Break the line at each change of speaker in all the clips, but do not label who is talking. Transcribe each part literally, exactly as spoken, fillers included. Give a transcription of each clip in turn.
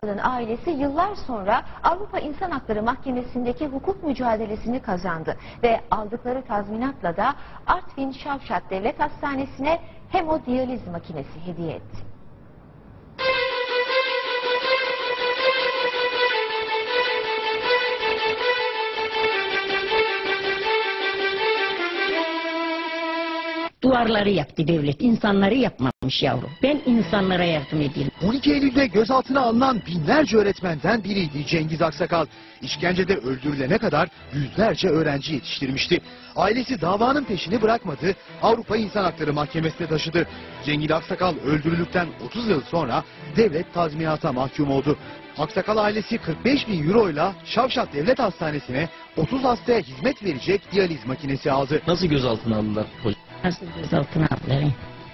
Ailesi yıllar sonra Avrupa İnsan Hakları Mahkemesi'ndeki hukuk mücadelesini kazandı ve aldıkları tazminatla da Artvin Şavşat Devlet Hastanesi'ne hemodiyaliz makinesi hediye etti.
Duvarları yaptı devlet, insanları yapmamış yavrum. Ben insanlara yardım edeyim.
on iki Eylül'de gözaltına alınan binlerce öğretmenden biriydi Cengiz Aksakal. İşkencede öldürülene kadar yüzlerce öğrenci yetiştirmişti. Ailesi davanın peşini bırakmadı, Avrupa İnsan Hakları Mahkemesi'ne taşıdı. Cengiz Aksakal öldürüldükten otuz yıl sonra devlet tazminata mahkum oldu. Aksakal ailesi kırk beş bin euroyla Şavşat Devlet Hastanesi'ne otuz hastaya hizmet verecek diyaliz makinesi aldı.
Nasıl gözaltına aldılar hocam?
Nasıl gözaltına aldılar?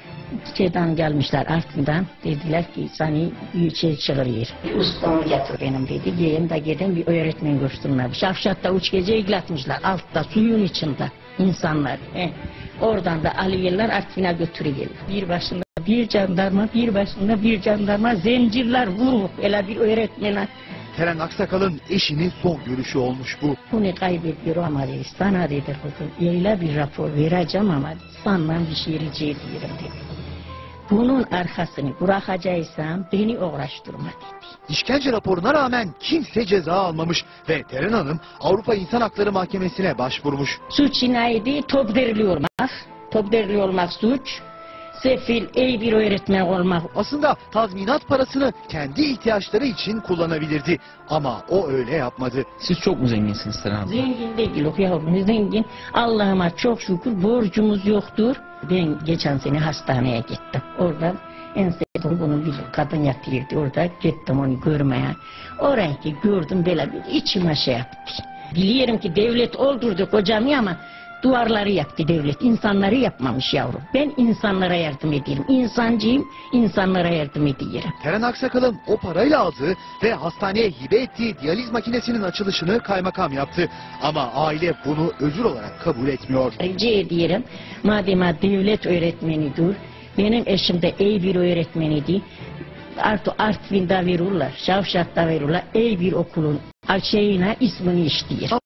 Şeyden gelmişler Artvin'den, dediler ki seni büyüçe çağırıyor. Ustamı getir benim dedi, giyim de gidin bir öğretmen görsünler. Şavşat'ta üç gece ilgilatmışlar, altta suyun içinde insanlar. He. Oradan da alıyorlar Artvin'e götürüyorlar. Bir başında bir jandarma, bir başında bir jandarma, zincirler vurup öyle bir öğretmene.
Teren Aksakal'ın eşinin son görüşü olmuş bu.
Bunu kaybediyor ama dedi, sana dedi kızım, öyle bir rapor vereceğim ama senden bir şey rica ediyorum dedi. Bunun arkasını bırakacaksam beni uğraştırma dedi.
İşkence raporuna rağmen kimse ceza almamış ve Teren Hanım Avrupa İnsan Hakları Mahkemesi'ne başvurmuş.
Suç neydi? Top derli olmak. Top derli olmak suç. Sefil, iyi bir öğretmen olmak.
Aslında tazminat parasını kendi ihtiyaçları için kullanabilirdi. Ama o öyle yapmadı.
Siz çok mu zenginsiniz Teren Hanım?
Zengin değil o yavrum, zengin. Allah'ıma çok şükür borcumuz yoktur. Ben geçen sene hastaneye gittim. Orada en sevdiğim bunun bir kadın yatıyordu. Orada gittim onu görmeye. Orayı gördüm böyle bir içime şey yaptı. Biliyorum ki devlet öldürdü kocamı ama duvarları yaptı devlet. İnsanları yapmamış yavrum. Ben insanlara yardım ediyorum. İnsancıyım, insanlara yardım ediyorum.
Teren Aksakal'ın o parayla aldığı ve hastaneye hibe ettiği diyaliz makinesinin açılışını kaymakam yaptı. Ama aile bunu ödül olarak kabul etmiyor.
Rica ediyorum. Madem devlet öğretmenidir, benim eşim de iyi bir öğretmeniydi. Artı Artvin'de verirler, Şavşat'ta verirler. İyi bir okulun şeyine ismini işliyor.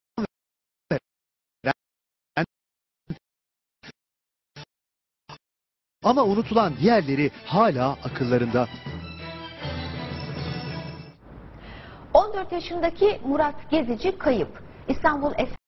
Ama unutulan diğerleri hala akıllarında.
on dört yaşındaki Murat Gezici kayıp. İstanbul